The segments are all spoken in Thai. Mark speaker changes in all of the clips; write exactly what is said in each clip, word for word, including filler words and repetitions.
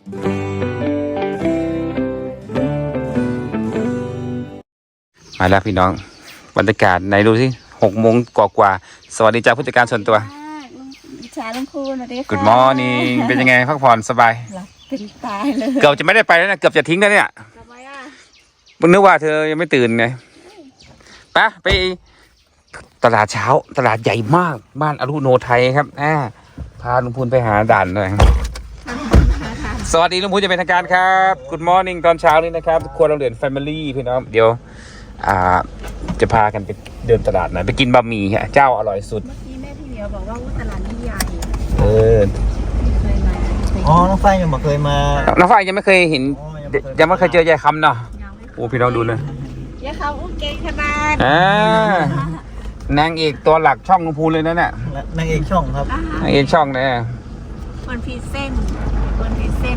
Speaker 1: มาแล้วพี่น้องบรรยากาศไหนดูสิหกโมงกว่าๆสวัสดีจ้าผู้จัดการส่วนตัว
Speaker 2: ชาลุงคูนสวัสดีค่ะ
Speaker 1: Good morning เป็นยังไงพักผ่อนสบาย
Speaker 2: หลับเป็นตายเลย
Speaker 1: เกือบจะไม่ได้ไปแล้วนะเกือบจะทิ้งแล้วเนี่ย
Speaker 2: ทำไมอ่ะ
Speaker 1: มึงนึกว่าเธอยังไม่ตื่นไงไปไปตลาดเช้าตลาดใหญ่มากบ้านอรุโนไทยครับอ่าพาลุงพูนไปหาด่านหน่อยสวัสดีลุงพูนจะเป็นทางการครับ Good morning ตอนเช้านี้นะครับครัวโรงเรียน Family พี่น้องเดี๋ยวอ่าจะพากันไปเดินตลาดไหนไปกินบะหมี่ฮะเจ้าอร่อยสุด
Speaker 2: เมื่อกี้แม่พี่เหมียวบอกว่าตลาดนี้ใหญ่
Speaker 1: เออ
Speaker 2: เคยมา
Speaker 3: อ๋อน้องไฟยังไม่เคยมา
Speaker 1: น้องฝ้ายยังไม่เคยเห็นยังไม่เคยเจอยายคำเนาะโอ้พี่น้องดูเลย
Speaker 2: ยายคำอุ้งเก่งขนาด
Speaker 1: อ่านางเอกตัวหลักช่องลุงพูนเลยนั่นน่ะ
Speaker 3: นางเอกช่องครับ
Speaker 1: นางเอกช่องเนี่ย
Speaker 2: คนพีเส้นคนพีเส้น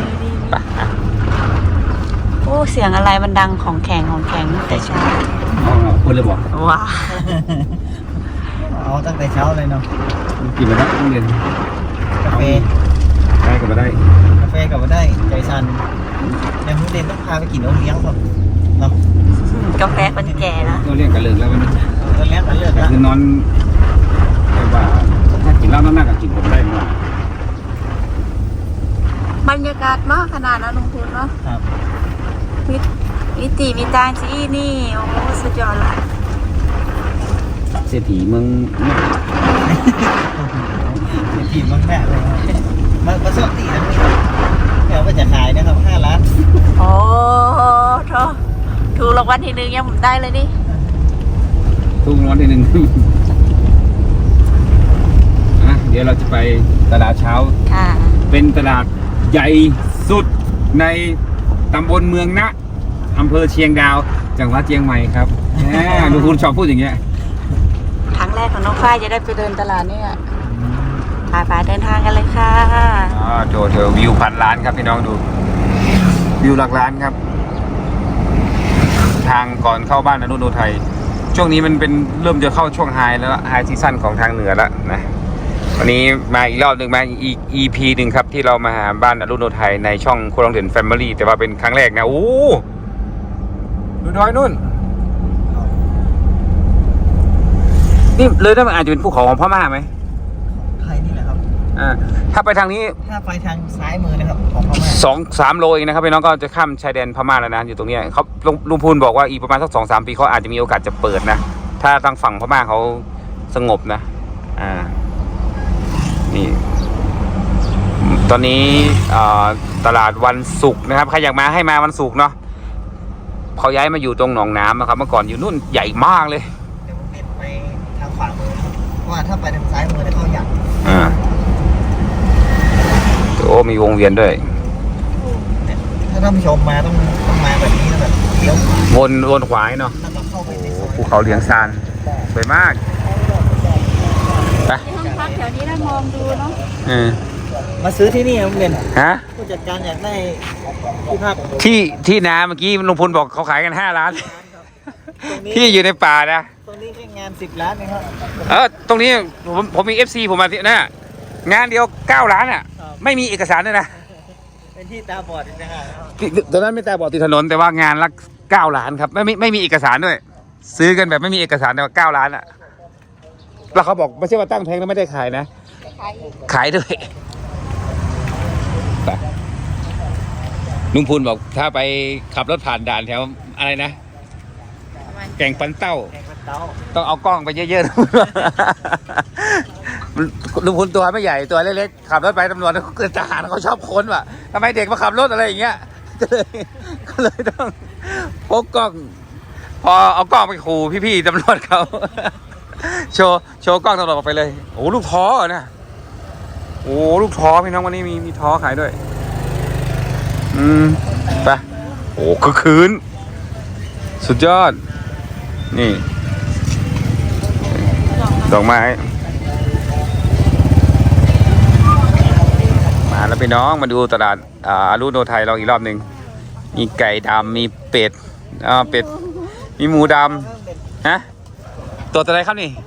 Speaker 2: โอ้เสียงอะไรมันดังของแข็งของแข็งแต่เช้า
Speaker 1: อ๋อคุณเลยบอก
Speaker 2: ว้า
Speaker 3: เอาตั้งแต่เช้าเลยเนาะ
Speaker 1: กินมาได้โรงเรียน
Speaker 3: กาแฟ
Speaker 1: ได้กับมาได้
Speaker 3: กาแฟกับมาได้ใจสั่นยังโรงเรียนต้องพาไปกินโอเลี้ยงก่อนเนาะ
Speaker 2: กาแฟคนแก่นะ
Speaker 1: โอเลี้ยงกันเลิกแล้ววันนี้
Speaker 3: โอเลี้ยงกันเลิกแล้ว
Speaker 1: คือนอนแต่ว่าถ้ากินเหล้าน้ากับกินผมได้หมด
Speaker 2: บรรยากาศมากขนาดนั้นลุงพูนเนาะ
Speaker 3: ครับ
Speaker 2: มีมีตีมีตาจีนี่โอ้สุดยอดละ
Speaker 1: เศรษฐีเมือง
Speaker 3: เศรษฐีเมืองแม่เลยมาประสบตีนะเดี๋ยวว่าจะขายนะครับห้าล้าน
Speaker 2: โอ้โถถูกรางวัลที่หนึ่งยังผมได้เลยนี่
Speaker 1: ถูกรางวัลที่หนึ่งอ่ะเดี๋ยวเราจะไปตลาดเช้า
Speaker 2: ค่ะ
Speaker 1: เป็นตลาดใหญ่สุดในตำบลเมืองนะอำเภอเชียงดาวจังหวัดเชียงใหม่ครับดูคุณชอบพูดอย่างเงี้ย
Speaker 2: ครั้งแรกของน้องฝ้ายจะได้ไปเดินตลาดนี่อ่ะพาไปเดินทางกันเลยค่ะ
Speaker 1: อ๋อโจเธอวิวพันล้านครับพี่น้องดูวิวหลักล้านครับทางก่อนเข้าบ้านอนุโนไทยช่วงนี้มันเป็นเริ่มจะเข้าช่วงไฮแล้วไฮซีซั่นของทางเหนือแล้วนะวันนี้มาอีกรอบหนึ่งมาอีก อี พี หนึ่งครับที่เรามาหาบ้านอรุโนไทยในช่องครัวโรงเรียน Family แต่ว่าเป็นครั้งแรกนะโอ้ดูน้อยนู่นนี่เลยได้มันอาจจะเป็นภูเขาของพม่าไหม
Speaker 3: ไทยนี่แหละครับ
Speaker 1: อ่าถ้าไปทางนี้
Speaker 3: ถ้าไปทางซ้ายมือนะครับของพม่า
Speaker 1: สองสามโลเองนะครับพี่น้องก็จะข้ามชายแดนพม่าแล้วนะอยู่ตรงนี้เขาลุงพูนบอกว่าอีกประมาณสักสองสามปีเขาอาจจะมีโอกาสจะเปิดนะถ้าทางฝั่งพม่าเขาสงบนะอ่านี่ตอนนี้ตลาดวันศุกร์นะครับใครอยากมาให้มาวันศุกร์เนาะเขาย้ายมาอยู่ตรงหนองน้ำนะครับเมื่อก่อนอยู่นู่นใหญ่มากเลย
Speaker 3: เดี๋ยวผมเปลี่ยนไปทางขวามือเพราะว่าถ้าไปทางซ้ายมือจะเข้าอย่าง
Speaker 1: อ่าโอ้มีวงเวียนด้วย
Speaker 3: ถ้าท่านผู้ชมมาต้องต้องมาแบบนี้นะแบบเลี้ยว
Speaker 1: วนวนขวาเนาะภูเขาเหลียงซานสวยมาก
Speaker 2: ไปห้องพักแถวนี้ได้มองดูเนาะ
Speaker 1: เออ
Speaker 3: มาซื้อที่นี่ครับเรียน
Speaker 1: ฮะ
Speaker 3: ผู้จัดการอยากได้ที่พัก
Speaker 1: ที่ที่นาเมื่อกี้ลุงพลบอกเขาขายกันห้าล้านที่อยู่ในป่านะ
Speaker 3: ตรงนี้แค่งานสิบล้านนะครับ
Speaker 1: เออตรงนี้ผมผมมีเอฟซีผมมาที่น่ะงานเดียวเก้าล้านอ่ะไม่มีเอกสารด้วยนะ
Speaker 3: เป็นที่ตาบอดนะฮะ
Speaker 1: ตอนนั้นไม่ตาบอดติดถนนแต่ว่างานละเก้าล้านครับไม่ไม่ไม่มีเอกสารด้วยซื้อกันแบบไม่มีเอกสารแต่ว่าเก้าล้านอ่ะแล้วเขาบอกไม่ใช่ว่าตั้งแพงแล้วไม่ได้ขายนะขายด้วยลุงพูนบอกถ้าไปขับรถผ่านด่านแถวอะไรนะแก่งปันเต้าต้องเอากล้องไปเยอะๆลุงพูนตัวไม่ใหญ่ตัวเล็กๆขับรถไปตำรวจเขาเกิดทหารเขาชอบค้นว่ะทำไมเด็กมาขับรถอะไรอย่างเงี้ยก็เลยก็เลยต้องพกกล้องพอเอากล้องไปขู่พี่ๆตำรวจเขาโชว์โชว์กล้องตำรวจออกไปเลยโอ้ลูกท้อนะโอ้ลูกท้อพี่น้องวันนี้มีมีท้อขายด้วยอืมไปโอ้คือคืนสุดยอดนี่ดอกไม้มาแล้วพี่น้องมาดูตลาดอ่าอรุโนไทยเราอีกรอบหนึ่งมีไก่ดำมีเป็ดอ่าเป็ดมีหมูดำฮะตัวอะไรครับนี่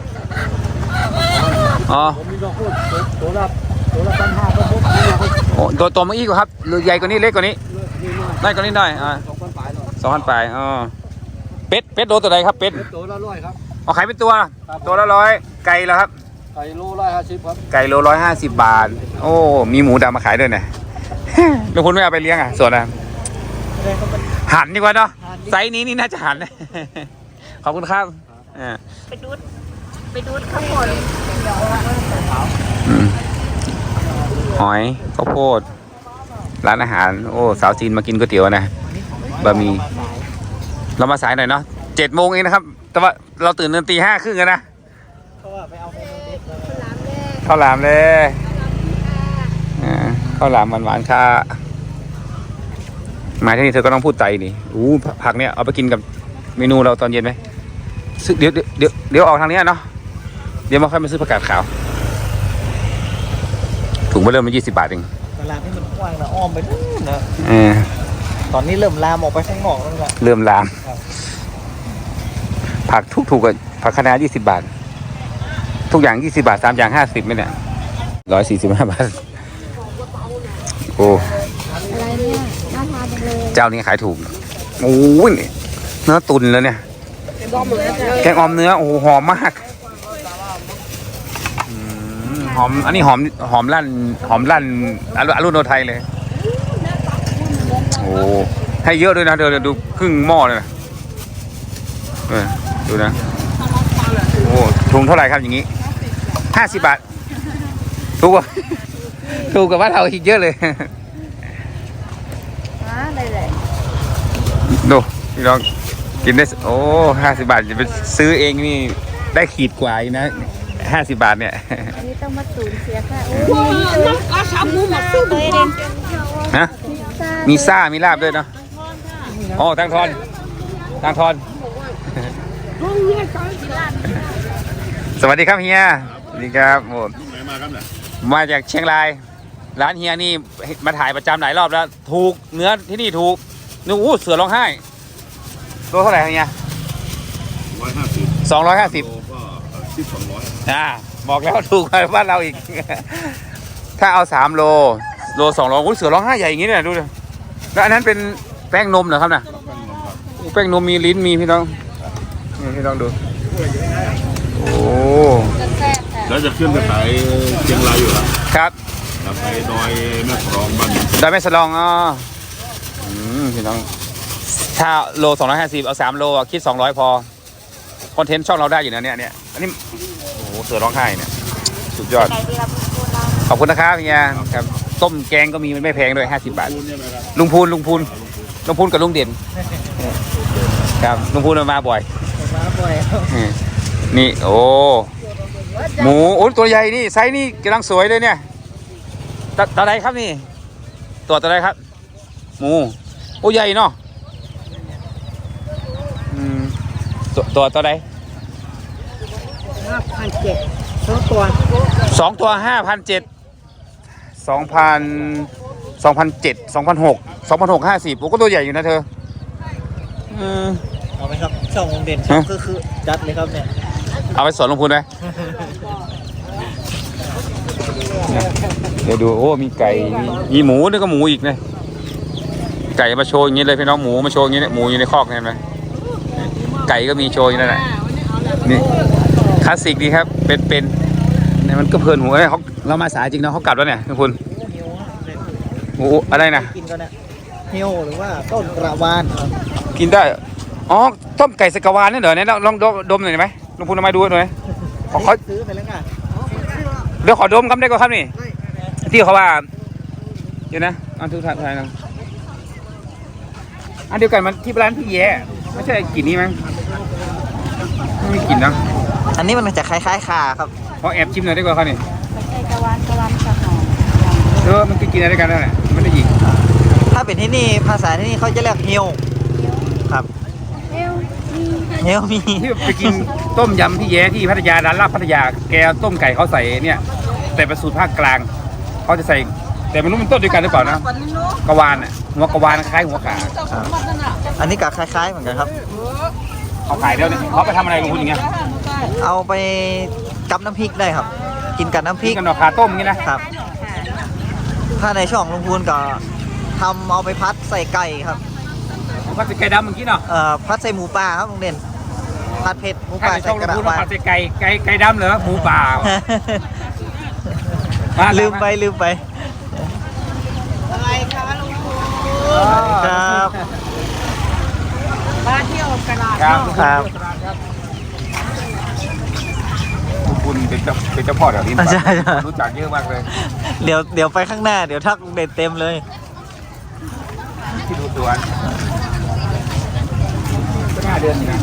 Speaker 1: อ๋อโอ้ตัวตัวเมื่อกี้กว่าครับหรือใหญ่กว่านี้เล็กกว่านี้ได้กว่านี้หน่อยอ่าสองพันปลายอ๋อเป็ดเป็ดโลตัวใดครับเป็ด
Speaker 3: ตัวละร้อยครับ
Speaker 1: เอาขายเป็นตัวตัวละร้อยไก่แล้วครับ
Speaker 3: ไก่โลร้อยห้าสิบครับ
Speaker 1: ไก่โลร้อยห้าสิบบาทโอ้มีหมูดำมาขายด้วยเนี่ย แล้วคุณไม่เอาไปเลี้ยงอ่ะส่วนอ่ะหันดีกว่าเนาะไซส์นี้นี่น่าจะหัน ขอบคุณครับอ่า
Speaker 2: ไปดูดไปดูดข้าวโพด
Speaker 1: อืมหอยข้าวโพดร้านอาหารโอ้สาวจีนมากินก๋วยเตี๋ยวนะบะหมี่เรามาสายหน่อยเนาะเจ็ดโมงเองนะครับแต่ว่าเราตื่นเดินตีห้าครึ่งกันนะ
Speaker 3: เพราะว่าไปเอาเมนูเด็ดมา
Speaker 1: ข้าวหลามเลยอ่าข้าวหลามหวานๆค่ะมาที่นี่เธอก็ต้องพูดใจนี่อู้ผักเนี่ยเอาไปกินกับเมนูเราตอนเย็นไหมซื้อเดี๋ยวเดี๋ยวเดี๋ยวออกทางนี้เนาะเดี๋ยวมาค่อยมาซื้อผักกาดขาวถุงไปเริ่มมายี่สิบบาทเอง
Speaker 3: ตลาดนี่มันกว้างนะอ้อมไปนู่นนะ
Speaker 1: เออ
Speaker 3: ตอนนี้เริ่มลามออกไปข้างนอกแล้วแหละ
Speaker 1: เริ่มลาม
Speaker 3: ครับ
Speaker 1: ผักทุกถูกกับผักคะน้ายี่สิบบาท ทุกอย่างยี่สิบาทสามอย่างห้าสิบไหมเนี่ยร้อยสี่สิบห้าบาทโอ้
Speaker 2: อะไรเนี่ยน่าทานจังเลย
Speaker 1: เจ้านี้ขายถูกโอ้ยเนื้อตุนแล้วเนี่ยแกงออมเนื้อโอ้โหหอมมากอืมหอมอันนี้หอมหอมลั่นหอมลั่นอรุอรุโนไทยเลยโอ้ให้เยอะด้วยนะเดี๋ยวเดี๋ยวดูครึ่งหม้อเลยนะเออดูนะโอ้ถุงเท่าไหร่ครับอย่างนี้ห้าสิบบาทถูกกว่าถูกกว่าบ้านเราอีกเยอะเลย
Speaker 2: ฮะอะไรเลย
Speaker 1: ดูพี่น้องกินได้โอ้ห้าสิบบาทจะไปซื้อเองนี่ได้ขีดกว่าอีกนะห้าสิบบาทเนี่ย
Speaker 2: อันนี้ต้องมาสูญเสียค่ะโอ้ยน้ำกระชับมูหมดสู้เลยเด่น
Speaker 1: ฮะมีซ่ามีลาบด้วยเนาะอ๋อทางทอนทางทอน สวัสดีครับเฮียสวัสดีครับโอ้มาจากเชียงรายร้านเฮียนี่มาถ่ายประจำหลายรอบแล้วถูกเนื้อที่นี่ถูกนึกอู้เสือร้องไห้ตัวเท่าไหร่ครับเฮีย
Speaker 4: ร้อยห้าสิบ
Speaker 1: สองร้อยห้าสิบ
Speaker 4: โลก็สิบสองร้อย
Speaker 1: อ่าบอกแล้วถูกกว่าบ้านเราอีก ถ้าเอาสามโลโลสองโลอุ้ยเสือร้องไห้ใหญ่อย่างนี้เนี่ยดูเลยแล้วอันนั้นเป็นแป้งนมเหรอครับน่ะแป้งนมมีลิ้นมีพี่น้องนี่พี่น้องดูโอ้
Speaker 4: แล้วจะขึ้นไปขายเชียงรายอยู่แล้ว
Speaker 1: ครับ
Speaker 4: แล้วไปดอยแม่กรองบ้าน
Speaker 1: ดอยแม่สลองอ๋ออืมพี่น้องถ้าโลสองร้อยห้าสิบเอาสามโลอ่ะคิดสองร้อยพอคอนเทนต์ช่องเราได้อยู่นะเนี่ยเนี่ยอันนี้โอ้โหเสือร้องไห้เนี่ยสุดยอด
Speaker 2: ไก่ดีครับคุณเรา
Speaker 1: ขอบคุณนะครับเฮียครับต้มแกงก็มีมันไม่แพงด้วยห้าสิบบาท
Speaker 4: คุณใช่ไหมครับ
Speaker 1: ลุงพูนลุงพูนลุงพูนกับลุงเด่นครับลุงพูนมาบ่อย
Speaker 3: มาบ่อย
Speaker 1: นี่โอ้หมูโอ้ตัวใหญ่นี่ไซส์นี่กำลังสวยเลยเนี่ยตัวตัวไหนครับนี่ตัวตัวไหนครับ หมูโอ้ใหญ่เนาะอืมตัวตัวตัวไหน
Speaker 3: ห้าพันเจ็ดสองตัว
Speaker 1: สองตัวห้าพันเจ็ดสองพันสองพันเจ็ดสองพันหกสองพันหกห้าสิบโอ้ก็ตัวใหญ่อยู่นะเธออืม
Speaker 3: เอาไหมครับช่องวงเด่น
Speaker 1: ฮะ
Speaker 3: คือคือจัดเลยครับเนี่ย
Speaker 1: เอาไปสอนลงพูนไหมเดี๋ยวดูโอ้มีไก่มีมีหมูนี่ก็หมูอีกนะไก่มาโชว์อย่างนี้เลยพี่น้องหมูมาโชว์อย่างนี้เนี่ยหมูอยู่ในคอกเห็นไหมไก่ก็มีโชว์อยู่นั่นแหละนี่คลาสสิกดีครับเป็นเป็นเนี่ยมันก็เพลินหูเอ้ยเขาเรามาสายจริงเนาะเขากลับแล้วเนี่ยคุณโอ้อะไรนะ
Speaker 3: กินก็เนี่ยเฮียวหรือว่าต้นกระวานครับ
Speaker 1: กินได้อ๋อต้มไก่สกวานนี่เหรอเนี่ยลองดมดมหน่อยไหมลุงพูนเอามาดูหน่อยขอเขา
Speaker 3: ซื้อไปแล้วไง
Speaker 1: เดี๋ยวขอดมครับได้ก็ครับนี่ที่เขาว่าเดี๋ยวนะอันทุกท่านทายนะอันเดียวกันมันที่ร้านพี่แย่ไม่ใช่กลิ่นนี้มั้งไม่มีกลิ่นนะ
Speaker 3: อันนี้มันจะคล้ายๆขาครับ
Speaker 1: ขอแอบชิมหน่อยได้กว่าครับนี่
Speaker 2: ไก่กะวานกะวานสะหอม
Speaker 1: เออมันกินอะไรด้วยกันนั่นแหละไม่ได้หยิก
Speaker 3: ถ้าเป็นที่นี่ภาษาที่นี่เขาจะเรียกเฮียวครับ
Speaker 2: เอวมี
Speaker 3: เฮียวมี
Speaker 1: ที่ไปกินต้มยำพี่แย่ที่พัทยาร้านลาบพัทยาแกต้มไก่เขาใส่เนี่ยแต่เป็นสูตรภาคกลางเขาจะใส่แต่ไม่รู้มันต้นด้วยกันหรือเปล่านะกวานอ่ะหัวกวานคล้ายหัวขา
Speaker 3: อันนี้ก็คล้ายๆเหมือนกันครับ
Speaker 1: เขาขายแล้วเนี่ยเขาไปทำอะไรลุงคุณอย่างเงี้ย
Speaker 3: เอาไปกับน้ำพริกได้ครับ กินกับน้ำพริ
Speaker 1: พี่
Speaker 3: ก
Speaker 1: กันหนอขาต้มอย่างงี้นะ
Speaker 3: ครับถ้าในช่องลุงพูนก็ทำเอาไปพัดใส่ไก่ครับ
Speaker 1: ผัดไก่ดำเมื่อกี้เนาะ
Speaker 3: เอ่อพัดใส่หมูป่าครับลุงเด่นพัดเผ็ดหมู
Speaker 1: ถ้า
Speaker 3: ป่า
Speaker 1: ในช่
Speaker 3: ใส่
Speaker 1: อง
Speaker 3: กระ
Speaker 1: เรา
Speaker 3: ดา
Speaker 1: พูด
Speaker 3: ษ
Speaker 1: ว่า
Speaker 3: ว่า
Speaker 1: ผัดไก่ไก่ไก่ดำเหรอหมูป่ามา
Speaker 3: ลืมไปลืมไป
Speaker 2: อะไรคะลุงพู
Speaker 3: ครับ
Speaker 2: มาเที่ยวตลาด
Speaker 1: ครับ
Speaker 3: ครับ
Speaker 1: คุณเป็นเจ้าเป็นเจ้าพ่อแถวนี้
Speaker 3: ใช่ใช่
Speaker 1: รู้จักเยอะมากเลย
Speaker 3: เดี๋ยวเดี๋ยวไปข้างหน้าเดี๋ยวทักลุงเด่นเต็มเลย
Speaker 1: ที่ดูสวนก็น่าเดือนนะ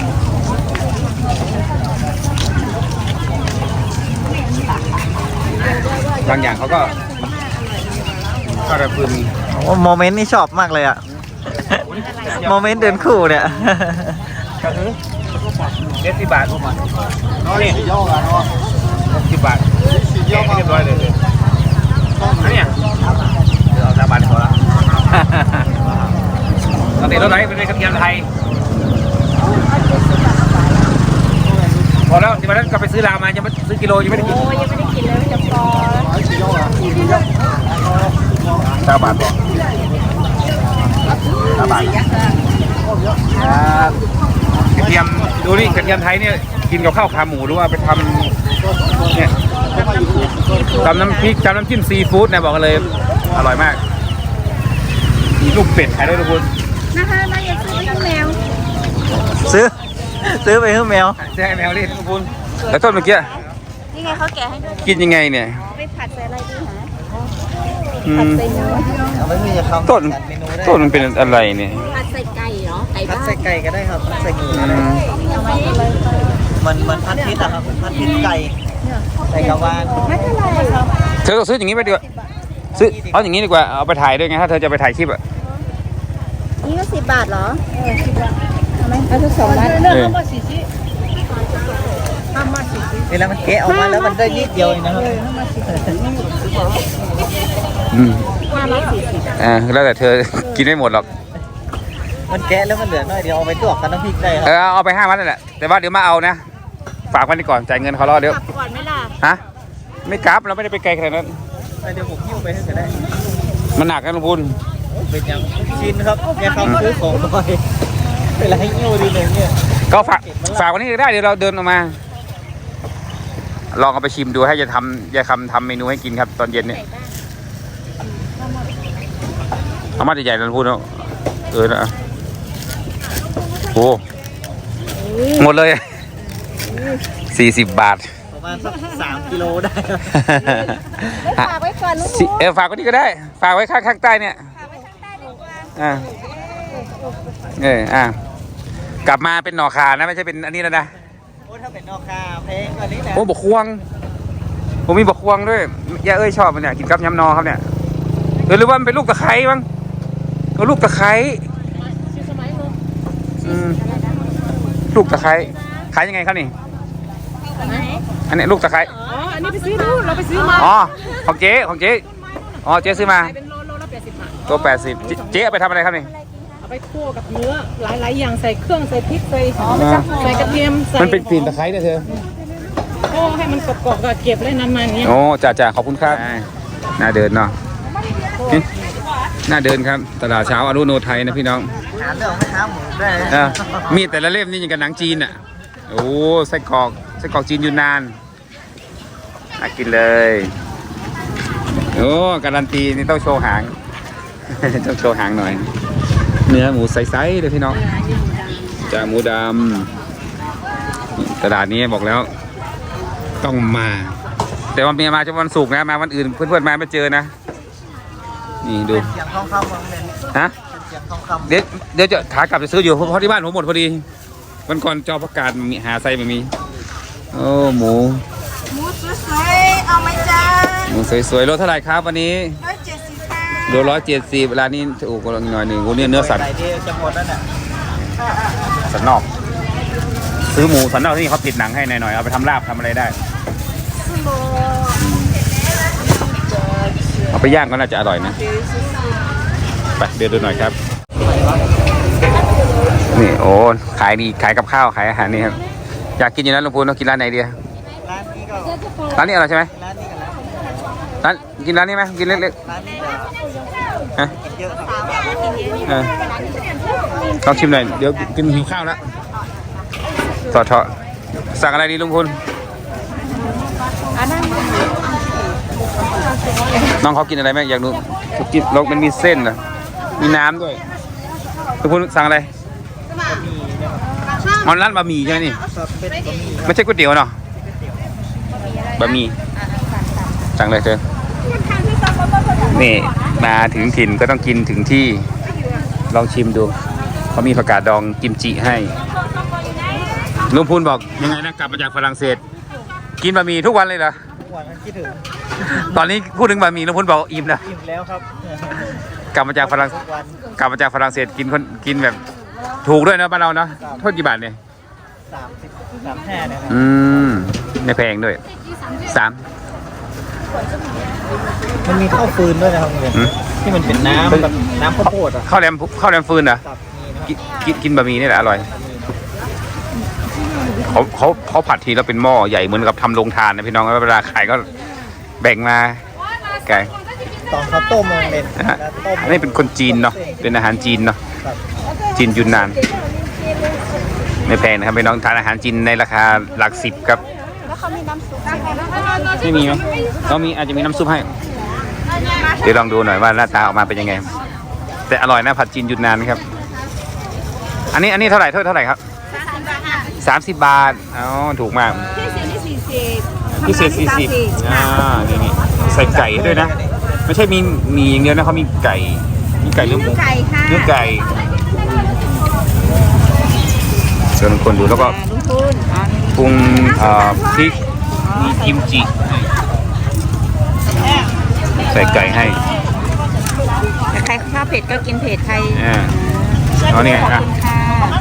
Speaker 1: บางอย่างเขาก็ก็ระพึม
Speaker 3: โอ้โมเมนต์นี่ชอบมากเลยอะโมเมนต์เดินคู่เนี่ย
Speaker 1: ก็คือเจ็ดสิบบาทน้องนี่ย่อกันเนาะสิบบาทแกะให้เรียบร้อยเลยอันเนี้ยเดี๋ยวเอาสามบาทพอละปกติรถไหนเป็นกระเทียมไทยพอแล้วที่วันนั้นก็ไปซื้อลามายังไม่ซื้อกิโลยังไม่ได้กิน
Speaker 2: โอ้ยังไม่ได้กินเลยจะพอ
Speaker 1: สามบาทพอสามบาทครับกระเทียมดูนี่กระเทียมไทยเนี่ยกินกับข้าวขาหมูหรือว่าไปทำเนี่ยทำน้ำพริกทำน้ำจิ้มซีฟู้ดนะบอกกันเลยอร่อยมากมีลูกเป็ดขายด้วยทุกคน
Speaker 2: นะคะมาอยากซื้อเป็นแมว
Speaker 3: ซื้อ ซื้อไปให้แมว
Speaker 1: แจ้งแมวนี่ทุกคนแล้วต้นเมื่อกี้
Speaker 2: นี่ไงเขาแกะให้ด้วย
Speaker 1: กินยังไงเนี่ย
Speaker 2: ไปผัดใส่อะไรดีฮะ
Speaker 1: อื
Speaker 2: ผัด
Speaker 1: ม
Speaker 2: ใส่เนื้อ
Speaker 3: เอาไม่มีจะเข้า
Speaker 1: ต้น
Speaker 3: จัดเมนูได้
Speaker 1: ต้นมันเป็นอะไรเนี่ย
Speaker 2: ผัดใส่ไก่เหรอไก่
Speaker 3: พัด
Speaker 2: บ้าน
Speaker 3: ใส่ไก่ก็ได้ครับพัดใส่หมู
Speaker 1: อื
Speaker 3: ก็ได้
Speaker 1: ม
Speaker 2: เอาไว้เลย
Speaker 3: มันมันพัดพริษอะครับพัดพริษไก่ใส่กระวาน
Speaker 2: ไม่เป็นไรครับ
Speaker 1: เธอต้องซื้ออย่างนี้ไปดีกว่าซื้อเอาอย่างนี้ดีกว่าเอาไปถ่ายด้วยไงถ้าเธอจะไปถ่ายคลิปอะ
Speaker 2: นี่ก็สิบบาทเหรอเออสิบบาทเอาไหมเอาทุกสองบาท
Speaker 1: เออ
Speaker 3: เวลามันแกะออกมาแล้วมันได้นิดเดียวเองนะครับ
Speaker 1: อืมอ่าแล้วแต่เธอ กินไม่หมดหรอก
Speaker 3: มันแกะแล้วมันเหลือน้อยเดียวเอาไปตวกกันน้ำพริกได้ค
Speaker 1: เอ
Speaker 3: รับ
Speaker 1: อเอาไปห้ามัดนั่นแหละแต่ว่าเดี๋ยวมาเอานะฝากไว้นี่ก่อนจ่ายเงินเขารอเดี๋ยว
Speaker 2: กลับก่อนไหมล่ะ
Speaker 1: ฮะไม่กลับเราไม่ได้ไปไกลขนาดนั้น
Speaker 3: ไปเดี๋ยวผมหิ้วไปให้ก็ได้
Speaker 1: มันหนักนะลุงพูน
Speaker 3: เป็นยังชินครับแกทำซื้อของบ่อยเวลาให้หิ้วดีเลยเนี่ย
Speaker 1: ก็ฝากฝากวันนี้ได้เดี๋ยวเราเดินออกมา ลองเอาไปชิมดูให้จะทำจะคำทำเมนูให้กินครับ ตอนเย็นเนี่ยเอามาใหญ่ๆนะลุงพูนเนาะเออนะโอ้หมดเลยสี่สิบบาท
Speaker 3: ประมาณสักสามกิโลได้
Speaker 2: ฝากไว้ก่อนลูก
Speaker 1: สิเออฝากไว้นี่ก็ได้ ฝากไว้ข้างข้างใต้เนี่ย
Speaker 2: ฝากไว้ข้างใต้ดีกว่า
Speaker 1: อ่าเอออ่ากลับมาเป็นหน่อคานะไม่ใช่เป็นอันนี้แล้วนะ
Speaker 3: โอ้ถ้าเป็นนอกคาเพลงกว่านี้แหละ
Speaker 1: โอ้บกควงผมมีบกควงด้วยย่าเอ้ยชอบมันเนี่ยกินกับยำนอครับเนี่ยเออหรือว่ามันเป็นลูกตะไคร้บ้างเออลูกตะไคร้อืมลูกตะไคร้ขายยังไงครับนี่อันนี้ลูกตะไคร้
Speaker 5: อ๋อ อันนี้ไปซื้อดูเราไปซื้อมา
Speaker 1: อ๋อของเจ๊ของเจ๊อ๋อเจ๊ซื้อมา
Speaker 5: ขายเป็นโลโลละแปดสิบบาท
Speaker 1: ตัวแปดสิบเจ๊เอาไปทำอะไรครับนี่
Speaker 5: เอาไปคั่วกับเนื้อหลายๆอย่างใส่เครื่องใส่พริกใส่
Speaker 1: อ๋อ
Speaker 5: ใส่กระเทียมใส่
Speaker 1: มันเป็นกลิ่นตะไคร้เนี่ยเธอ
Speaker 5: โอ้ให้มันกรอบๆก็เก็บเลยนานๆอย่างเงี้ย
Speaker 1: โอ้จ่าจ่าขอบคุณครับน่าเดินเนาะน่าเดินครับตลาดเช้าอรุโนไทยนะพี่น้อง
Speaker 3: หาเรื่องไม่ท้าหมูได้
Speaker 1: เออมีดแต่ละเล่มนี่ยังกับหนังจีนอ่ะโอ้ไส้กรอกไส้กรอกจีนยูนนานน่ากินเลยโอ้การันตีนี่ต้องโชว์หาง ต้องโชว์หางหน่อย เนื้อหมูใสๆเลยพี่น้องจากหมูดำตลาดนี้บอกแล้ว ต้องมา แต่ว่าเมียมาจะวันศุกร์นะมาวันอื่นเพื่อนๆมาไม่เจอนะนี่ดู
Speaker 3: เสียงทองคำของเด่น
Speaker 1: ฮะ
Speaker 3: เสียงทองคำ
Speaker 1: เดี๋ยวเดี๋ยวจะขากลับจะซื้ออยู่เพราะที่บ้านผมหมดพอดีวันก่อนจอประกาศมีหาไซไม่มีโอ้หมู
Speaker 2: หมูสวยๆเอาไหมจ้า
Speaker 1: หมูสวยๆรสเท่าไหร่ครับวันนี้
Speaker 2: ร้อยเจ็ดสิบค่ะ
Speaker 1: โลร้อยเจ็ดสิบร้านนี้ถูกกว่าหน่อยหนึ่งโอ้เนี่ยเนื้อสัน
Speaker 3: ไก่ที่จะหมดแล้วเนี่ย
Speaker 1: สันนอก ซื้อหมูสันนอกที่เขาติดหนังให้หน่อยๆเอาไปทำลาบทำอะไรได้เอาไปย่างก็น่าจะอร่อยนะไปเดินดูหน่อยครับนี่โอ้ขายดีขายกับข้าวขายอาหารนี่ครับอยากกินอยู่นะลุงพูนเรากินร้านไหนดี
Speaker 3: ร้านนี้ก็
Speaker 1: ร้านนี้อร่อยใช่ไหม
Speaker 3: ร้านนี้กันแล้ว
Speaker 1: ร้านกินร้านนี้ไหมกินเล็ก
Speaker 3: ร้านนี้จะ
Speaker 1: ๆฮะ
Speaker 3: เยอะครับ
Speaker 1: เออลองชิมหน่อยเดี๋ยวกินหิวข้าวแล้วต่อเถอะสั่งอะไรดีลุงพล
Speaker 2: อันนั้น
Speaker 1: น้องเขากินอะไรไหมอยากดูกินเรามันมีเส้นนะมีน้ำด้วยลุงพลสั่งอะไรมันร้านบะหมี่ใช่ไหมนี่
Speaker 3: ครับเป็นบะหมี่
Speaker 1: ไม่ใช่ก๋วยเตี๋ยวเนาะบะหมี่สั่งเลยเธอนี่มาถึงถิ่นก็ต้องกินถึงที่ลองชิมดูเขามีผักกาดดองกิมจิให้ลุงพูนบอกยังไงนะกลับมาจากฝรั่งเศส กินบะหมี่ทุกวันเลยเหรอ
Speaker 3: ทุกวันคิดถึง
Speaker 1: ตอนนี้พูดถึงบะหมี่ลุงพูนบอกอิ่มนะ
Speaker 3: อิ่มแล้วครับ
Speaker 1: กลับมาจากฝรั่ง
Speaker 3: ทุกวัน
Speaker 1: กลับมาจากฝรั่งเศสกินคนกินแบบถูกด้วยนะบ้านเราเนาะโทษกี่บาทเนี่ย
Speaker 3: สามสิบสามห้าเนี่ยนะ
Speaker 1: อืมไม่แพงด้วยสาม
Speaker 3: มันมีข้าวฟืนด้วยนะครับเพื่อน
Speaker 1: อืม
Speaker 3: ที่มันเป็นน้ำแบบน้ำข้าวโพดอ่ะ
Speaker 1: ข้าวแรมข้าวแรมฟืนเหรอ
Speaker 3: ครับนี่นะ
Speaker 1: กินกินกินบะหมี่นี่แหละอร่อยเขาเขาเขาผัดทีแล้วเป็นหม้อใหญ่เหมือนกับทำโรงทานนะพี่น้องเวลาขายก็แบ่งมาไก่
Speaker 3: ตอนเขาต้มมันเป็น
Speaker 1: นะฮะ
Speaker 3: แล้วต้ม
Speaker 1: อันนี้เป็นคนจีนเนาะเป็นอาหารจีนเนาะ
Speaker 3: ครับ
Speaker 1: จีนยุนนานไม่แพงนะครับพี่น้องทานอาหารจีนในราคาหลักสิบครับ
Speaker 2: แล้วเขามีน้ำซุปใช่ไหม
Speaker 1: ไม่มีมั้ยเรามีอาจจะมีน้ำซุปให้เดี๋ยวลองดูหน่อยว่าหน้าตาออกมาเป็นยังไง แต่อร่อยนะผัดจีนยุนนานครับ อันนี้อันนี้เท่าไหร่เท่าเท่าไหร่ครับสามสิบบาทอ๋อถูกมากพิเศษสี่สิบอ่านี่นี่ใส่ไก่ด้วยนะ ไม่ใช่มีมีอย่างเดียวนะเขามีไก่มีไก่หรือหมู
Speaker 2: ไก่ค่ะ
Speaker 1: เนื้อไก่เชิญคนดูแล้วก็
Speaker 2: ลุงพูน
Speaker 1: ปรุงเอ่อพริกมีกิมจิให้ใส่ไก่ให้
Speaker 2: ใครชอบเผ็ดก็กินเผ็ดใคร
Speaker 1: อ่าเอาเนี่ย
Speaker 2: ขอบ
Speaker 1: อ่ะ
Speaker 2: คุณค่ะ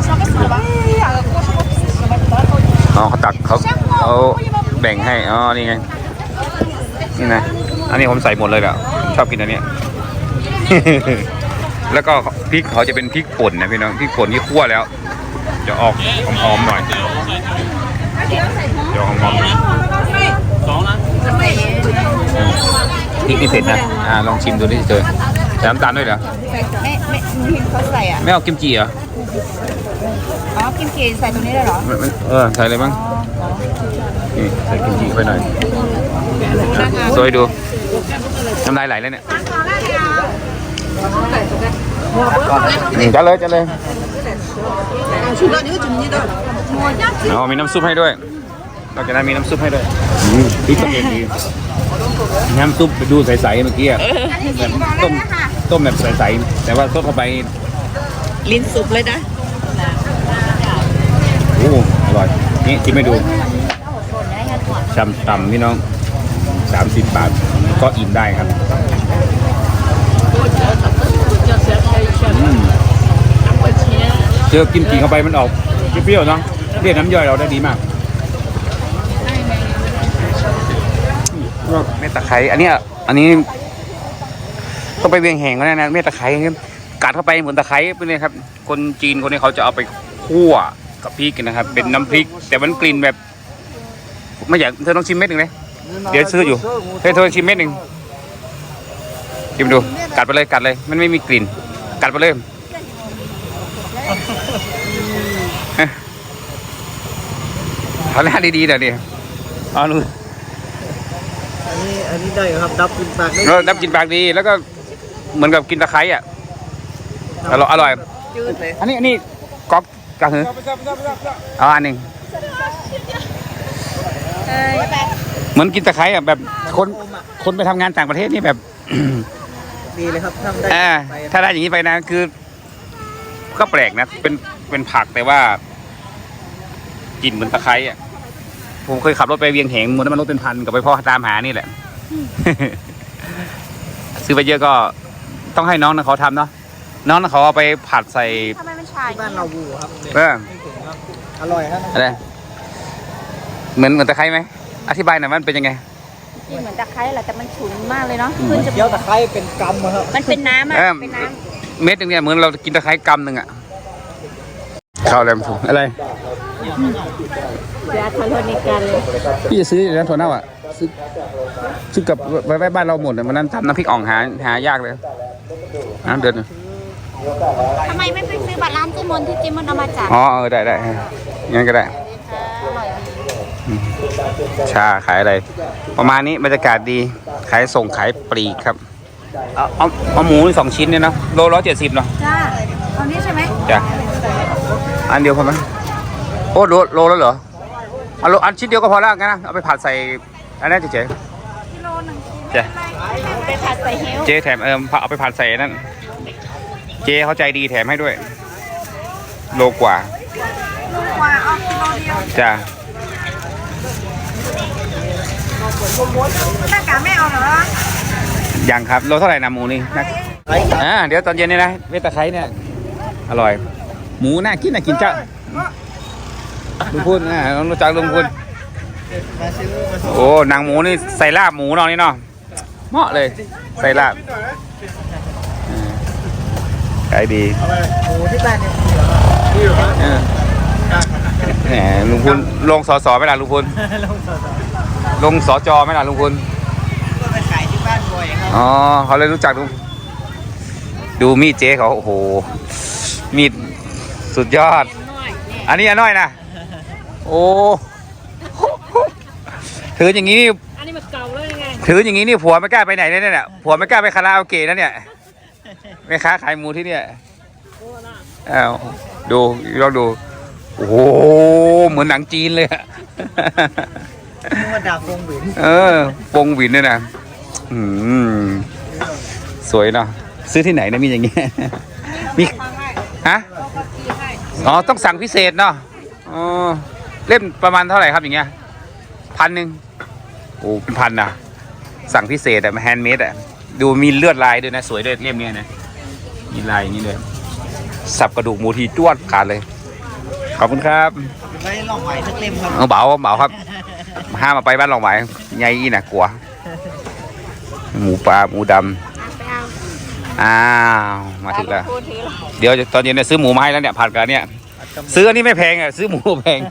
Speaker 1: อ๋อเขาตักเขาเขาแบ่งให้อ๋อนี่ไงนี่นะอันนี้ผมใส่หมดเลยแหละชอบกินอันเนี้ย แล้วก็พริกเขาจะเป็นพริกป่นนะพี่น้องพริกป่นที่คั่วแล้ว จะออกหอมๆหน่อยจะหอมๆหน่อยพริกนี่เผ็ดนะอ่าลองชิมดูดิเจอใส่น้ำตาลด้วยเหรอ
Speaker 2: ไม่ไม่หนูเห็นเขาใส่อ่ะ
Speaker 1: ไม่เอากิมจิเหรอ
Speaker 2: อ๋อกิมจิใส่ตรงนี้เลยเหรอ
Speaker 1: ไม่ไม่เออใส่เลยมั้งนี่ใส่กิมจิไปหน่อยสวยดูน้ำลายไหลแล้วเนี่ยนี่จัดเลยจัดเลยอ๋อมีน้ำซุปให้ด้วยนอกจากนั้นมีน้ำซุปให้ด้วยอืมพริกกระเทียมดีน้ำซุปไปดูใสๆเมื่อกี้อะแบบต้มต้มแบบใสๆแต่ว่าต้มเข้าไป
Speaker 2: ลิ้นสุกเลยนะ
Speaker 1: โอ้อร่อยนี่ชิมให้ดูชำตำพี่น้องสามสิบบาทก็อิ่มได้ครับอืมเจอกิมจิเข้าไปมันออกเปรี้ยวๆเนาะเรียกน้ำย่อยเราได้ดีมากเม็ดตะไคร้อันนี้อันนี้ต้องไปเวียงแหงก็ได้นะเม็ดตะไคร้กัดเข้าไปเหมือนตะไคร้ไปเลยครับ คนจีนคนนี้เขาจะเอาไปคั่วกับพริกนะครับเป็นน้ำพริก แต่มันกลิ่นแบบไม่อยากเธอต้องชิมเม็ดหนึ่งเลยเดี๋ยวซื้ออยู่เฮ้ยเธอชิมเม็ดหนึ่งชิมดูกัดไปเลยกัดเลยมันไม่มีกลิ่นกัดไปเลยเอาหน้าดีๆเดี๋ยวดิเอาดู
Speaker 3: อันนี้อันนี้ได้อยู่ครับดับกินปากได้
Speaker 1: เราดับกินปากดีแล้วก็เหมือนกับกินตะไคร้อ่ะอร่อยอร่อย
Speaker 2: จืดเลย
Speaker 1: อันนี้อันนี้ก๊อกกระหือเอาอันหนึ่งเหมือนกินตะไคร้อ่ะแบบคนคนไปทำงานต่างประเทศนี่แบบ
Speaker 3: ดีเลยครับทำได้
Speaker 1: อ่า
Speaker 3: ไป
Speaker 1: ถ้าได้อย่างนี้ไปนะคือ ก็แปลกนะเป็นเป็นผักแต่ว่ากินเหมือนตะไคร้อ่ะผมเคยขับรถไปเวียงแหงมันมันรถเป็นพันกับไปพ่อตามหานี่แหละ ซื้อไปเยอะก็ต้องให้น้องนะเขาทำเนาะน้องนะเขาเอาไปผัดใส่
Speaker 2: ทำไมมันชา
Speaker 3: ที่บ้านเราบูครับ
Speaker 1: เออ
Speaker 3: ไม่ถึงครับอร่อยครับ
Speaker 1: อะไรเหมือนเหมือนตะไคร้ไหมอธิบายหน่อยมันเป็นยังไง
Speaker 2: กินเหมือนตะไคร้แหละแต่มันฉุนมากเลยเนาะขึ้นจ
Speaker 3: เกี๊
Speaker 2: มู
Speaker 3: ยว
Speaker 2: ก
Speaker 3: ตะไคร้เป็นกำอะครับ
Speaker 2: มันเป็นน้ำอ่ะ
Speaker 1: เออ
Speaker 2: เป็นน้
Speaker 1: เม็ดหนึงเนี่ยเหมือนเรากินตะไคร้กำหนึ่งอ่ะข้าวแรมฟูอะไร
Speaker 2: เดี๋ยวทะเลในกันเลย
Speaker 1: พี่จะซื้ออยู่แล้วถั่วเน่าอ่ะซื้อซื้อกับไว้ไว้บ้านเราหมดเลยวันนั้นทำน้ำพริกอ่องหาหายากเลยน้ำเดือด
Speaker 2: ทำไมไม่ไปซื้อบัตรร้านเจมอนที่เจมอนเอามาจาก
Speaker 1: อ๋อเออได้ได้งั้นก็ได้อืมชาขายอะไร ประมาณนี้บรรยากาศดีขายส่งขายปลีกครับเอาเอาเอาหมูสองชิ้นเนี่ยเนาะโลร้อยเจ็ดสิบเนาะ
Speaker 2: จ้าเอานี้ใช่ไหม
Speaker 1: จ้ะอันเดียวพอไหมโอ้โลโลแล้วเหรอเอาโลอันชิ้นเดียวก็พอแล้วงั้นนะเอาไปผัดใส่อันนั้นเจ๊
Speaker 2: กิโลหนึ่ง
Speaker 1: เจ๊
Speaker 2: ไปผัดใส่เฮล
Speaker 1: เจ๊แถมเออเอาไปผัดใส่นั่นเจ๊เขาใจดีแถมให้ด้วย โลกว่า
Speaker 2: กว่าเอากิโลเดียว
Speaker 1: จ้ะ
Speaker 2: หน้ากากไม่เอาเหรอ
Speaker 1: ยังครับโลเท่าไหร่นะหมูนี่นะอ่าเดี๋ยวตอนเย็นนี่นะเวทตะไคร้เนี่ยอร่อย หมูน่ากินน่ากินจ้าลุงพูนอ่ารู้จักลุงพูน
Speaker 3: มาซื้อมาซื้อ
Speaker 1: โอ้หนังหมูนี่ใส่ลาบหมูเนาะนี่เนาะเหมาะเลยใส่ลาบอ่าขายดี
Speaker 3: หมูที่บ้านเนี่ย
Speaker 1: เออแหมลุงพูนลงสอสอไหมล่ะลุงพูน
Speaker 3: ลงต่อ
Speaker 1: ลงสอจอไหมล่ะลุงพูน
Speaker 3: ๆก็ไปขายที่บ้านบ่อยครับ
Speaker 1: อ๋อเขาเลยรู้จักดูดูมีดเจ๊เขาโอ้โหมีดสุดยอด อันนี้อันน้อยนะโอ้ถืออย่างนี้นี่
Speaker 5: อันนี้มันเก่าแล้วยังไง
Speaker 1: ถืออย่างนี้นี่ผัวไม่กล้าไปไหนเลยเนี่ยผัวไม่กล้าไปคาราโอเกะนะเนี่ยแม่ค้าขายหมูที่เนี่ยอ้าวดูลองดูโอ้โหเหมือนหนังจีนเลยอะ
Speaker 3: นึกว่าดาบวงหวิน
Speaker 1: เออวงหวินเนี่ยนะอืมสวยเนาะซื้อที่ไหนนะมีอย่างเงี้ยมีฮะอ๋อต้องสั่งพิเศษเนาะอ๋อเล่มประมาณเท่าไหร่ครับอย่างเงี้ยพันหนึ่งโอ้เป็นพันนะสั่งพิเศษอะแฮนด์เมดอะดูมีเลือดลายด้วยนะสวยด้วยเล่มเนี้ยนะมีลายอย่างนี้เลยสับกระดูกหมูทีจ้วดขาดเลยขอบคุณครับ
Speaker 3: ไว้ลองไหวสักเล่มครับ
Speaker 1: เอาเบาเบาครับห้ามมาไปบ้านหลองไหวใหญ่อีน่ะกลัว หมูปลาหมูดำอ้าวมาถึงแล้ว เดี๋ยวตอนเย็นเนี่ยซื้อหมูมาให้แล้วเนี่ยผัดกันเนี่ยซื้ออันนี้ไม่แพงอ่ะซื้อหมูแพง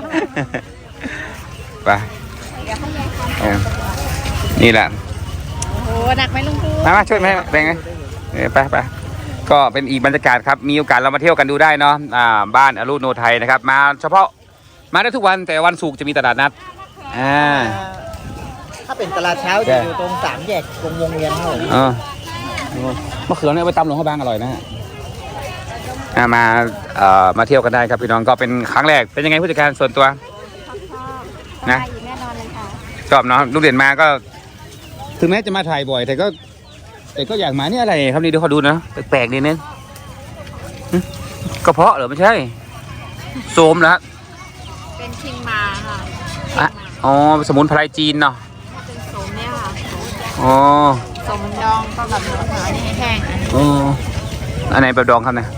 Speaker 1: ไปเออนี่แหละ
Speaker 2: โอ้หนักไหมลุงพู
Speaker 1: มามาช่วยไหมแบ่งไงเออไปไปก็เป็นอีกบรรยากาศครับมีโอกาสเรามาเที่ยวกันดูได้เนาะอ่าบ้านอรุณโนไทยนะครับมาเฉพาะมาได้ทุกวันแต่วันศุกร์จะมีตลาดนัดอ่า
Speaker 3: ถ้าเป็นตลาดเช้าจะอยู่ตรงสามแยกตรงวงเวียนครับผม
Speaker 1: เออมะเขือเนี่ยไปตำหลวงพระบางอร่อยนะฮะอ่ามาเอ่อมาเที่ยวกันได้ครับพี่น้องก็เป็นครั้งแรกเป็นยังไงผู้จัดการส่วนตัวนะ
Speaker 2: แน่นอนเลยค่ะ
Speaker 1: ชอบเนาะลูกเด่นมาก็ ถึงแม้จะมาถ่ายบ่อย แต่ก็ แต่ก็อยากมานี่อะไรครับนี่เดี๋ยวขอดูนะแปลกๆนิดนึงหึกระเพาะเหรอไม่ใช่โสมเหรอฮะ
Speaker 2: เป็นคิงมาค่ะ
Speaker 1: อ่ะอ๋อสมุนไพรจีนเนาะ
Speaker 2: เป็นโสมเนี่ยค่ะ
Speaker 1: อ๋อ
Speaker 2: โสมดองก็แบบหานี่แห้งอันนี้
Speaker 1: อ๋ออันไหนแบบดองครับเนี่ย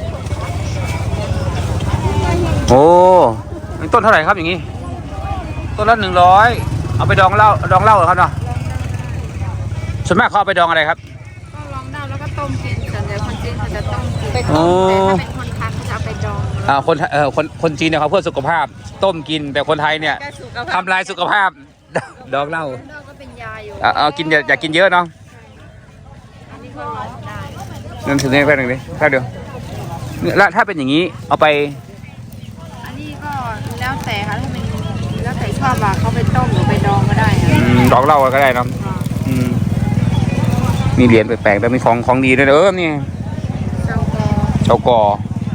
Speaker 1: โอ้ต้นเท่าไหร่ครับอย่างงี้ต้นละหนึ่งร้อยเอาไปดองเหล้าดองเหล้าเหรอครับเนาะส่วนมากเขาเอาไปดองอะไรครับ
Speaker 2: ก็ลองได้แล้วก็ต้มกินส่วนใหญ่คนจีนเขาจะต้มกินไป
Speaker 1: โอ้
Speaker 2: ต้มแต่ถ้าเป็นคนคันเขาจะเอาไปดอง
Speaker 1: อ่าคนเอ่อคนคนจีนเนี่ยเขาเพื่อสุขภาพ ต้มกินแต่คนไทยเนี่ย
Speaker 2: แก้สุขภาพ
Speaker 1: ทำลายสุขภาพ ดองเหล้า
Speaker 2: ดองก็เป็นยาอยู่
Speaker 1: เอาเอากินอย่าอย่ากินเยอะเนาะ
Speaker 2: อันนี้ก็ได้
Speaker 1: นั่นถึงนี่แป๊บหนึงดิแป๊บเดียวเนี่ยแล้วถ้าเป็นอย่างนี้เอาไป
Speaker 2: อันนี้ก็แล้วแต่ค่ะถ้าเป็นแล้วแต่ชอบอ่ะเขาไปต้มหรือไปดองก็ได้
Speaker 1: อืมดองเหล้าก็ได้เนาะอืมมีเหรียญแปลกๆแต่มีของของดีด้วยเออนี่
Speaker 2: เจ้าก็
Speaker 1: เฉากอ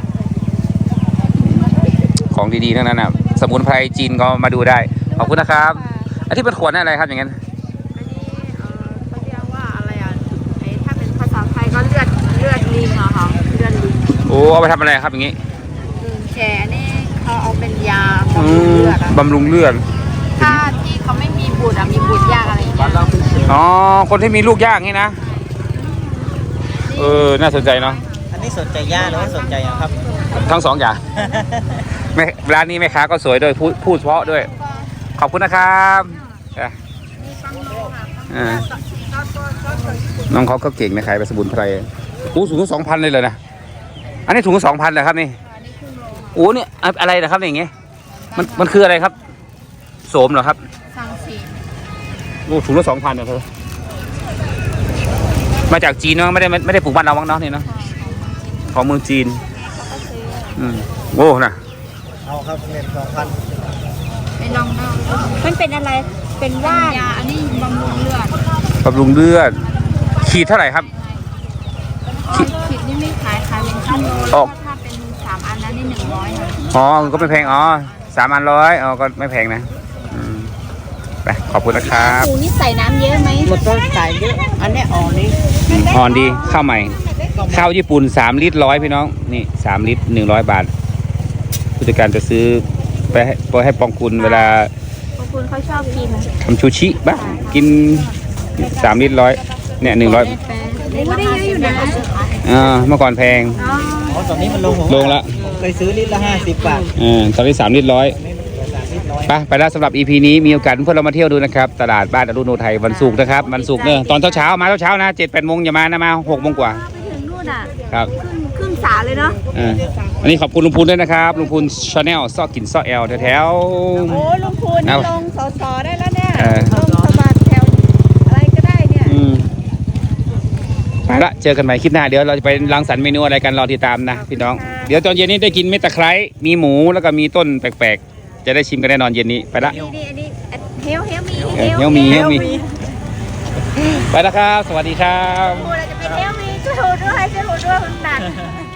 Speaker 1: ของดีๆทั้งนั้นนะสมุนไพรจีนก็มาดูได้ขอบคุณนะครับอันที่เป็นขวดนั่นอะไรครับอย่างนั้น
Speaker 2: อันนี้เอ่อเขาเรียกว่าอะไรอ่ะไอ้ถ้าเป็นภาษาไทยก็เลือดเลือดลิงอะค่ะเลือดลิง
Speaker 1: โอ้เอาไปทำอะไรครับอย่างนี้
Speaker 2: อืมแกนี่เขาเอาเป็นยา
Speaker 1: อื
Speaker 2: บำรุง
Speaker 1: ม
Speaker 2: เลือดอะ
Speaker 1: บำรุงเลือด
Speaker 2: ถ้าที่เขาไม่มีบุตรอะมีบุตรยากอะไรอย่างเงี้ย
Speaker 1: อ๋อคนที่มีลูกยากนี่นะเออน่าสนใจเนาะ
Speaker 3: อันนี้สนใจย่าหรือว่าสนใจอะครับ
Speaker 1: ทั้งสองอย่างแม่ร้านนี้แม่ค้าก็สวยด้วยพูดพูดเพราะด้วย ขอบคุณนะครับอ่ะอ่าน้องเขาก็เก่งนะขายไปสมุนไพรโอ้สูงถึงสองพันเลยเลยนะอันนี้ถุงสองพันเลยครับนี่โอ้เนี่ยอะไรนะครับอย่างเงี้ยมันมันคืออะไรครับโสมเหรอครับ
Speaker 2: สังสี
Speaker 1: โอ้ถุงละสองพันเนี่ยเธอมาจากจีนเนาะไม่ได้ไม่ได้ปลูกบ้านเราบ้างเนาะนี่เนาะของเมืองจีนอืมโอ้นะ
Speaker 3: เอาครับเงินสองพัน
Speaker 2: ไปลองดูมันเป็นอะไรเป็นว่านยาอันนี้บำรุงเลือด
Speaker 1: บำรุงเลือดขีดเท่าไหร่ครับ
Speaker 2: ขีดขีดนี่ไม่ขายขายเป็นชั่วโมง
Speaker 1: ออก
Speaker 2: ถ้าเป็นสามอันนั้นนี่หนึ่งร้อยนะ
Speaker 1: อ๋อก็ไม่แพงอ๋อสามอันร้อยอ๋อก็ไม่แพงนะอืมไปขอบคุณนะครับ
Speaker 2: ปูนี่ใส่น้ำเยอะไหม
Speaker 5: หมดต้นสายเยอะอันนี้อ่อนนี่
Speaker 1: อ่อนดีข้าวใหม่ข้าวญี่ปุ่นสามลิตรร้อยพี่น้องนี่สามลิตรหนึ่งร้อยบาทผู้จัดการจะซื้อไปให้ไปให้ปองคุณเวลา
Speaker 2: ขอบคุณเขาชอบกิน
Speaker 1: ทำชูชิบ้างกินสามลิตรร้อยเนี่ยหนึ่งร้อย
Speaker 2: ไม่ได้เยอะอยู่นะ
Speaker 1: อ่าเมื่อก่อนแพง
Speaker 2: อ๋อ
Speaker 3: อ๋อตอนนี้มันลงผม
Speaker 1: ลงละ
Speaker 3: ผมเคยซื้อลิตรละห้าสิบบาท
Speaker 1: อ่าตอนนี้สามลิตรร้อย
Speaker 3: นี่มันเหลือสามลิตรน้อย
Speaker 1: ไปไปแล้วสำหรับ อี พี นี้มีโอกาสเพื่อนเรามาเที่ยวดูนะครับ ตลาดบ้านอรุณโนไทยวันศุกร์นะครับวันศุกร์เนี่ยตอนเช้าๆมาเช้าๆนะเจ็ดแปดโมงอย่ามานะมาหกโมงกว่า
Speaker 2: ไปถึงนู่นอ่ะ
Speaker 1: ครับ
Speaker 2: ครึ่งครึ่งสาเลยเนาะ
Speaker 1: อ่าอันนี้ขอบคุณลุงพูนด้วยนะครับลุงพูนชาแนลซอกกินซอกแอลแถว
Speaker 5: โอ้ลุงพูนนี่
Speaker 1: เอา
Speaker 5: ลงสอสอได้แล้วเนี่ย
Speaker 1: เออ
Speaker 5: ลงสมัครแถวอะไรก็ได้เนี่ย
Speaker 1: ๆอืมไปละเจอกันใหม่คลิปหน้าเดี๋ยวเราจะไปรังสรรค์เมนูอะไรกันรอติดตามนะพี่น้องเดี๋ยวตอนเย็นนี้ได้กินเม็ดตะไคร้มีหมูแล้วก็มีต้นแปลกๆ จะได้ชิมกันแน่นอนเย็นนี้ไปละ
Speaker 2: นี่นี่อันนี้เฮลเฮลมี
Speaker 1: เออเฮลมีเฮลมีไปแล้วครับ สวัสดีครับ
Speaker 2: พูดเราจะเป็นเฮลมีช่วยหูด้วยช่วยหูด้วยคุณตัด